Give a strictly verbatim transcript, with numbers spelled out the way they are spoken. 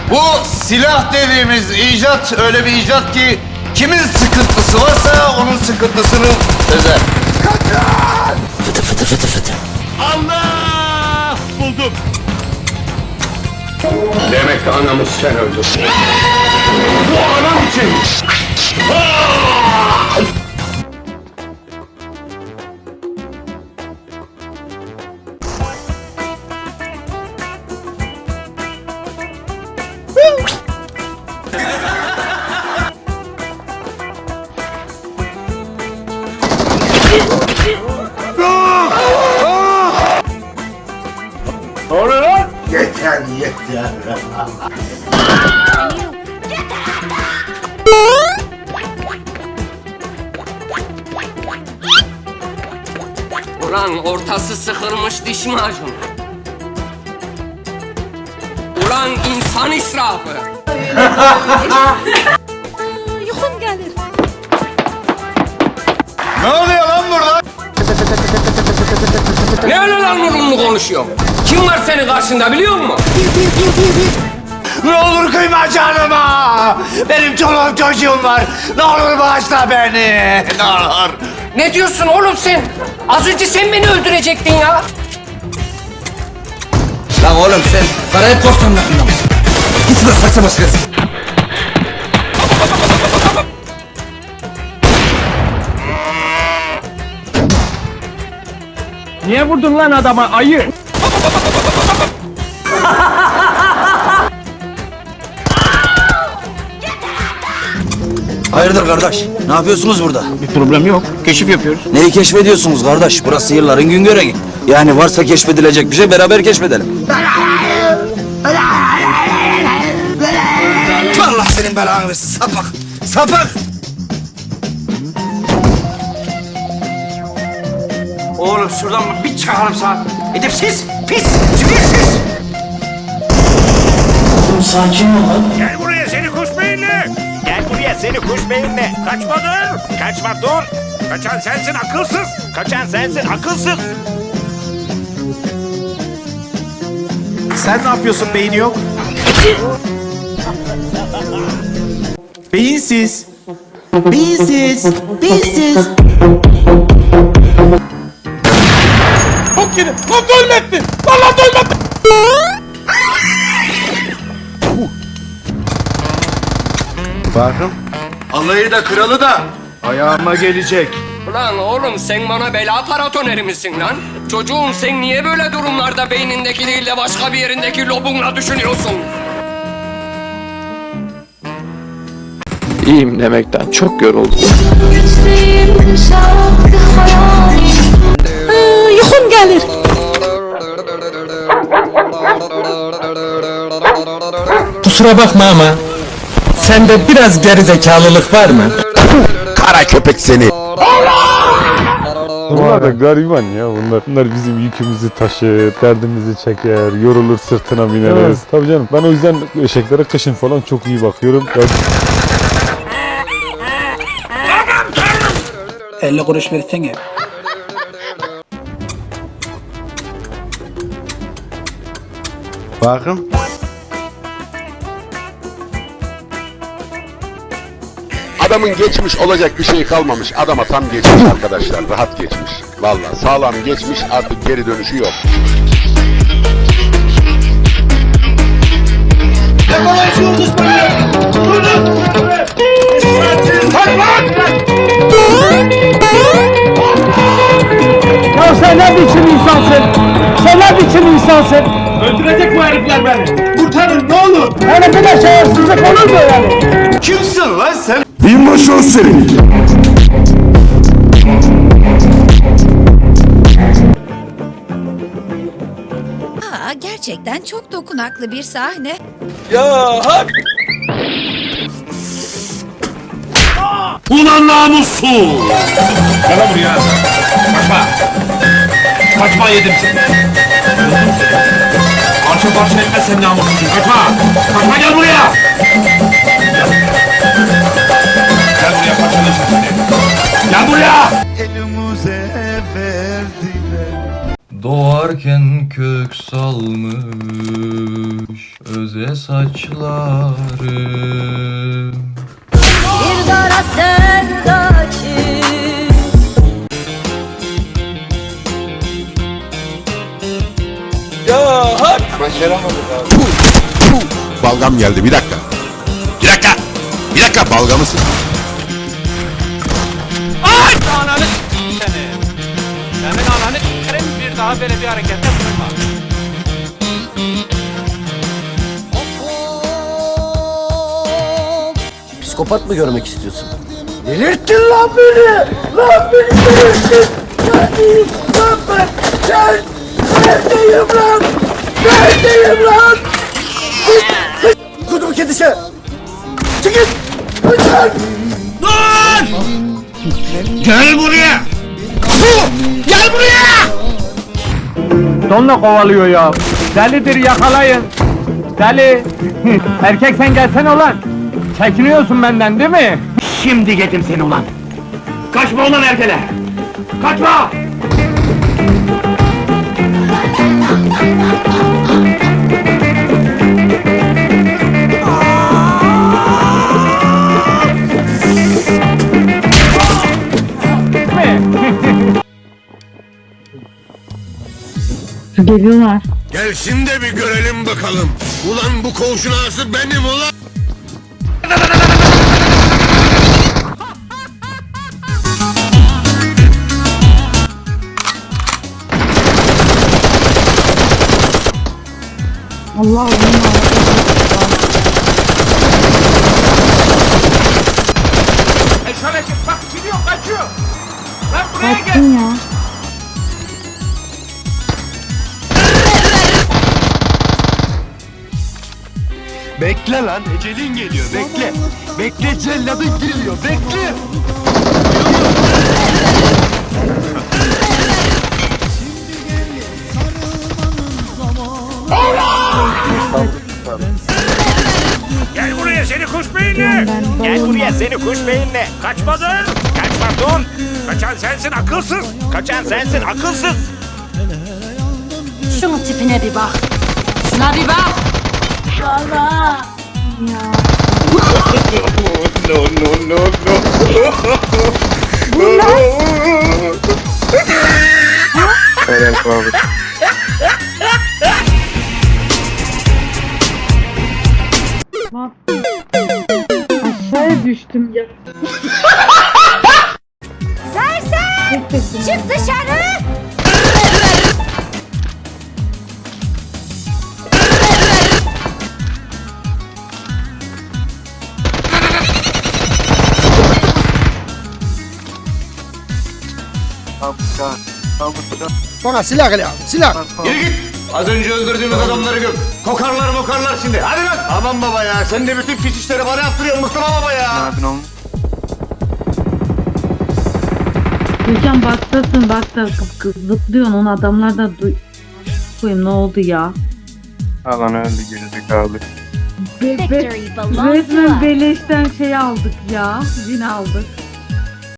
Bu silah dediğimiz icat öyle bir icat ki kimin sıkıntısı varsa onun sıkıntısını çözer. Fıtı fıtı fıtı fıtı. Allah! Buldum. Demek anamız sen öldürdün. Bu anam için. Ne oluyor lan? Yeter yeter. Ulan ortası sıkılmış diş macunu. Ulan insan israfı. Yuxum gəlir. Ne oluyor lan burada? Ne öyle lan mırılını konuşuyorsun? Kim var senin karşında biliyor musun? Ne olur kıyma canıma. Benim çoluğum çocuğum var. Ne olur bağışla beni. Ne olur. Ne diyorsun oğlum sen? Az önce sen beni öldürecektin ya. Lan oğlum sen parayı korsanlarında mısın? Git şurada saksa başkası. Niye vurdun lan adama ayı? Hayırdır kardeş? Ne yapıyorsunuz burada? Bir problem yok. Keşif yapıyoruz. Neyi keşfediyorsunuz kardeş? Burası yılların gün görevi. Yani varsa keşfedilecek bir şey beraber keşfedelim. Allah senin belanı versin sapık. Sapık. Oğlum şuradan bir çıkarım sana. Edepsiz, pis, cibilsiz. Gel buraya seni kuş beyinli. Gel buraya seni kuş beyinli. Kaçma dur. Kaçma dur. Kaçan sensin akılsız. Kaçan sensin akılsız. Sen ne yapıyorsun beyni yok? Beyinsiz. Beyinsiz. Beyinsiz. Çok yeni. Lan ölmedin. Lan lan ölmedin. Bakın. Alayı da kralı da ayağıma gelecek. Ulan oğlum sen bana bela paratoneri misin lan? Çocuğum sen niye böyle durumlarda beynindeki değil de başka bir yerindeki lobunla düşünüyorsun? İyiyim demekten çok yoruldum. Güclüyüm şarkı hayalim. Yuxum gəlir. Kusura bakma ama sende biraz gerizekalılık var mı? Kara köpek seni. Bunlar da gariban ya bunlar. Bunlar bizim yükümüzü taşır, derdimizi çeker, yorulur sırtına bineriz. Evet. Tabii canım ben o yüzden eşeklere kışın falan çok iyi bakıyorum. Ya... elli kuruş versene. Bakın. Adamın geçmiş olacak bir şey kalmamış. Adama tam geçmiş arkadaşlar. Rahat geçmiş. Vallahi sağlam geçmiş, artık geri dönüşü yok. Ya sen ne biçim insansın? Sen ne biçim insansın? Öldürecek bu herifler beni. Kurtarın ne olur. Yani bir de şerefsizlik olur mu yani? Kimsin lan sen? Binbaşı o senin. Aa, gerçekten çok dokunaklı bir sahne. Ulan namussuz! Gel lan buraya. Kaçma. Kaçma yedim seni. Parça parça etmez sen namussuzsun. Kaçma. Kaçma gel buraya. Gel, gel buraya parçalaşın seni. Gel buraya. Elimize verdiler. Doğarken kök salmış olmuş öze saçlarım. Bir kara sevdacı. Balgam geldi bir dakika. Bir dakika. Bir dakika balgamı sık. Ananı seni. Senin ananı s**erim, bir daha böyle bir harekette bulunma. Psikopat mı görmek istiyorsun? Delirttin lan beni! Lan beni delirttin! Neredeyim lan ben? Sen! Neredeyim lan? Neredeyim lan? Kudum kedisi! Çıkın! Lütfen! Lan! Gel buraya! Gel buraya! Donla kovalıyor ya. Delidir, yakalayın. Deli. Erkek sen gelsene ulan. Çekiniyorsun benden değil mi? Şimdi yedim seni ulan! Kaçma ulan erkele! Kaçma! Geliyorlar. Gelsin de bir görelim bakalım. Ulan bu koğuşun ağası benim ulan. Allah Allah. E şöyle çık, bak gidiyor, kaçıyor. Lan buraya gel. Kaçtın ya. Bekle lan, ecelin geliyor, bekle! Bekle, celladın geliyor, bekle! Gel buraya seni kuş beyinli. Gel buraya seni kuş beyinli. Kaçma dur. Kaçma dur. Kaçan sensin akılsız. Kaçan sensin akılsız. Şunun tipine bir bak. Şuna bir bak. Allah. No, no, no, no! Aşağıya düştüm ya. Sersem! Çık dışarı! Bana silah gel ya, silah! Yürü git! Az önce öldürdüğümüz adamları gör. Kokarlar mokarlar şimdi, hadi lan! Aman baba ya, sen de bütün pis işleri bana yaptırıyorsun Mustafa baba ya! Gülcan baksasın, bak da zıplıyorsun, onu adamlar da duy... Koyayım, ne oldu ya? Alan öldü gerizekalı. Be be resmen beleşten şey aldık ya, win aldık.